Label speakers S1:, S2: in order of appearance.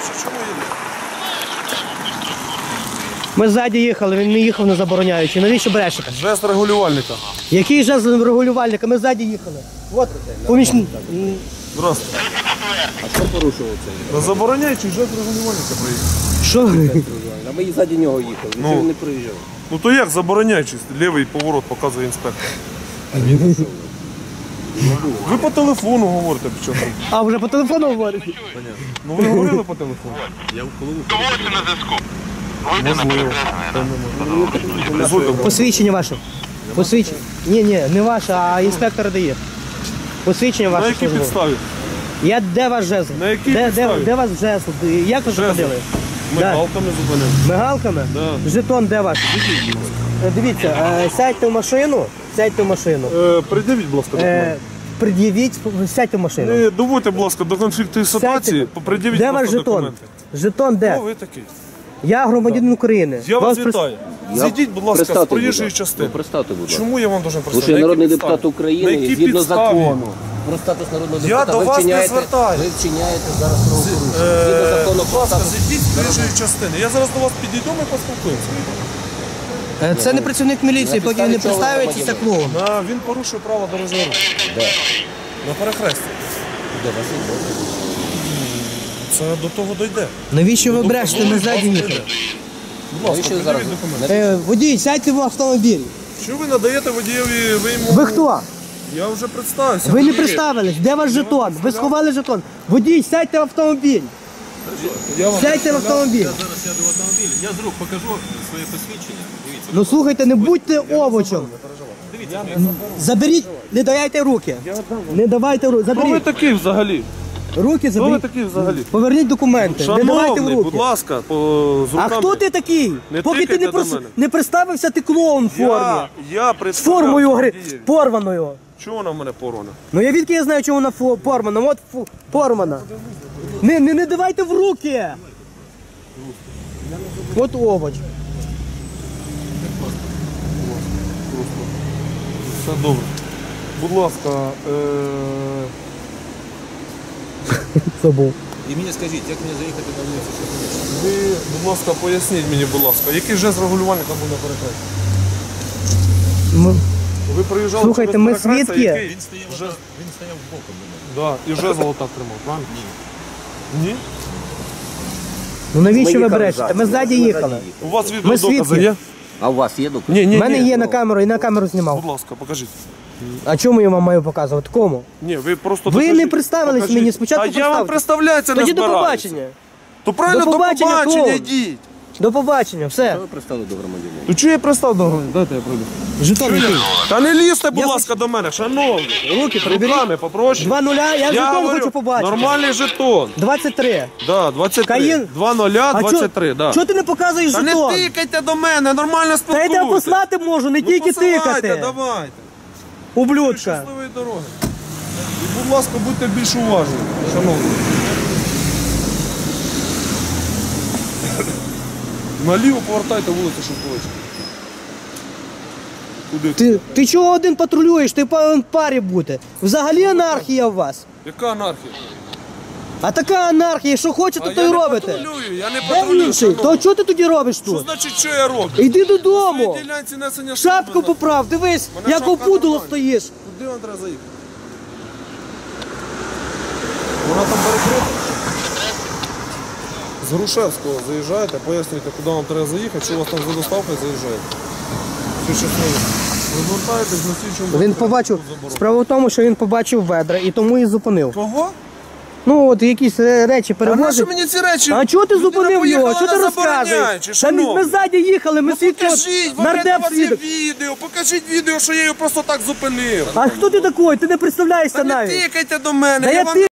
S1: Чому їде?
S2: Ми ззаді їхали, він не їхав не забороняючи. Навіщо брешете?
S1: Жест регулювальника.
S2: Який жест регулювальника? Ми ззаді їхали. От, помічник.
S1: Здравствуйте.
S3: А що порушував це?
S1: Забороняючий жест регулювальника проїхав.
S2: Що?
S3: А ми і ззаді нього їхали,
S1: Ну.
S3: він не проїжджав.
S1: Ну то як забороняючий? Лівий поворот показує інспектор. Ви по телефону говорите, що там.
S2: А, вже по телефону говорите?
S1: Ну ви говорили по телефону?
S4: Доводьте на зв'язку. Вийде на перекреслення.
S2: Посвідчення ваше. Посвідчення. Ні, не ваше, а інспектор дає. Посвідчення
S1: На
S2: ваше.
S1: якій
S2: службове.
S1: підставі?
S2: Де ваш жезл?
S1: На якій
S2: Де
S1: підставі?
S2: ваш жезл? Як ви
S1: Жезл.
S2: зупинили?
S1: Ми
S2: Да.
S1: балками зупинили.
S2: Мигалками?
S1: Да.
S2: Жетон де ваш? Дивіться, сядьте в машину. Сядьте в машину.
S1: Придивіть, будь ласка, документи.
S2: Пред'явіть, сядьте в машину.
S1: Не доводьте, будь ласка, до конфліктної ситуації,
S2: Сядьте.
S1: придивіть,
S2: Де
S1: будь
S2: ваш
S1: ласка,
S2: жетон?
S1: документи.
S2: Жетон де?
S1: Хто ви такий?
S2: Я громадянин України.
S1: Я вас
S2: прис-
S1: вітаю. Зійдіть, будь ласка, з
S3: Представте,
S1: проїжджої
S3: будь ласка.
S1: частини.
S3: Ну, представте, будь ласка.
S1: Чому я вам должен
S3: Тому
S1: представити?
S3: що я
S1: На
S3: народний
S1: якій
S3: депутат
S1: підставі?
S3: України
S1: На
S3: і
S1: якій
S3: згідно
S1: підставі?
S3: закону про статус народного
S1: Я
S3: депутата
S1: до
S3: ви
S1: вас не
S3: вчиняєте,
S1: звертаюсь.
S3: ви вчиняєте зараз правопорушення. Згідно закону
S1: Будь
S3: про
S1: ласка,
S3: статус.
S1: зійдіть з проїжджої частини. Я зараз до вас підійду, ми поспілкуємося.
S2: Це не працівник міліції, поки він не представиться, це клоун.
S1: Він порушує право дорожнього руху. На перехресті.
S3: Де вас є?
S1: Це до того дойде.
S2: Навіщо ви брешете? Ми ззаді їхали.
S1: Будь ласка,
S3: Навіщо зараз?
S1: придивіть документи.
S2: Водій, сядьте в автомобіль.
S1: Що ви надаєте водієві, ви йому...
S2: Ви хто?
S1: Я вже представився.
S2: Ви не
S1: Водій.
S2: представились. Де ваш жетон? Ви сховали жетон. Водій, сядьте в автомобіль.
S1: Я вам
S2: Сядьте в автомобіль.
S5: Зараз сяду в автомобіль, я з рук покажу своє посвідчення. Дивіться.
S2: Ну слухайте, не будьте овочем. Заберіть, не дайте руки. Не давайте руки.
S1: Хто ви
S2: Заберіть.
S1: такий взагалі?
S2: Руки
S1: Хто ви
S2: заберіть.
S1: такий взагалі?
S2: Поверніть документи. Не давайте в
S1: Шановний,
S2: руки.
S1: будь ласка, з
S2: А
S1: руками.
S2: хто ти такий?
S1: Не
S2: Поки ти
S1: тикайте до мене.
S2: не представився, ти клоун в формі.
S1: Я
S2: З
S1: представляв
S2: формою
S1: водієві.
S2: порваною.
S1: Чого вона в мене порвана?
S2: Ну я відки я знаю, чому вона порвана. От порвана. Не давайте в руки. От овоч.
S1: Все добре. Будь ласка,
S2: Забув.
S5: І мені скажіть, як мені заїхати на вулицю, що ходити?
S1: ви, будь ласка, поясніть мені, будь ласка, який жест регулювальника був на перехресті? Ви приїжджали
S2: Слухайте,
S1: через
S2: ми
S1: перехрестя,
S2: свідки.
S1: який
S5: Він стояв боком до мене.
S1: Да, і жезл отак тримав, правильно? Ні.
S2: Ну навіщо ви
S3: їхали
S2: брешете?
S3: ззаді.
S2: Ми ззаді їхали.
S1: У вас
S2: Ми
S1: відеодокази
S2: свідки.
S1: є?
S3: А у вас є документи?
S1: Ні,
S2: У мене є на камеру і на камеру знімав.
S1: Будь ласка, покажіть.
S2: А чому я вам маю показувати? Кому?
S1: Ні, ви просто
S2: Ви
S1: докажіть.
S2: не представились
S1: Покажіть.
S2: мені, спочатку
S1: А я вам
S2: представте.
S1: представляється не
S2: Тоді до
S1: збираюся.
S2: побачення.
S1: То правильно,
S2: До побачення, клоун.
S1: йдіть.
S2: До побачення, все.
S3: Ви пристали до громадянина.
S1: То чого я пристав до громадян? Дайте я пройду.
S2: Жетон який?
S1: Та не лізьте, будь
S2: Я
S1: ласка, до мене, шановні.
S2: Руки приберіть.
S1: Руками попроще.
S2: 2-0, я жетон
S1: говорю,
S2: хочу побачити.
S1: Нормальний жетон.
S2: 23.
S1: Да, 23.
S2: Каїн.
S1: 2-0, 23, да.
S2: Чого ти не показуєш
S1: Та не
S2: жетон?
S1: тикайте до мене, нормально
S2: Та я
S1: спілкуйтесь.
S2: тебе послати можу, не
S1: Ну,
S2: тільки
S1: посилайте,
S2: тикати.
S1: давайте.
S2: Ублюдка.
S1: Щасливої дороги. І, будь ласка, будьте більш уважні, шановні. Наліво повертайте вулицю Шовковича. Куди?
S2: Ти чого один патрулюєш? Ти повинен в парі бути. Взагалі анархія у вас.
S1: Яка анархія?
S2: А така анархія, що хочете, то й робите.
S1: Патрулюю, я не
S2: Де
S1: патрулюю,
S2: інший? То
S1: шановні.
S2: чого ти тоді робиш
S1: Що
S2: тут?
S1: значить, що я роблю?
S2: Іди додому.
S1: На ділянці несення
S2: Шапку
S1: служби.
S2: поправ, дивись,
S1: Мене
S2: як
S1: шапка
S2: опудало
S1: нормальна.
S2: стоїш.
S1: Куди вам треба заїхати? Вона там перекрита. З Грушевського заїжджаєте, пояснюєте, куди вам треба заїхати, що у вас там за доставкою заїжджаєте. Все щасливо. Розвертаєтесь на слідчому.
S2: Він побачив, справа в тому, що він побачив ведра і тому і зупинив.
S1: Кого?
S2: Ну от якісь речі
S1: А нащо
S2: перевозить.
S1: мені ці речі?
S2: А чого ти
S1: Людина
S2: зупинив його?
S1: поїхала
S2: Що ти
S1: на забороняючи,
S2: розказуєш? Та ми
S1: шановний.
S2: ззаді їхали, ми
S1: Ну
S2: свідки.
S1: покажіть, у
S2: Нардеп
S1: вас є
S2: свідок.
S1: відео, покажіть відео, що я його просто так зупинив.
S2: А хто ти такий? Ти не представляєшся
S1: Та не
S2: навіть.
S1: тикайте до мене,
S2: Та
S1: я
S2: я
S1: вам
S2: ти-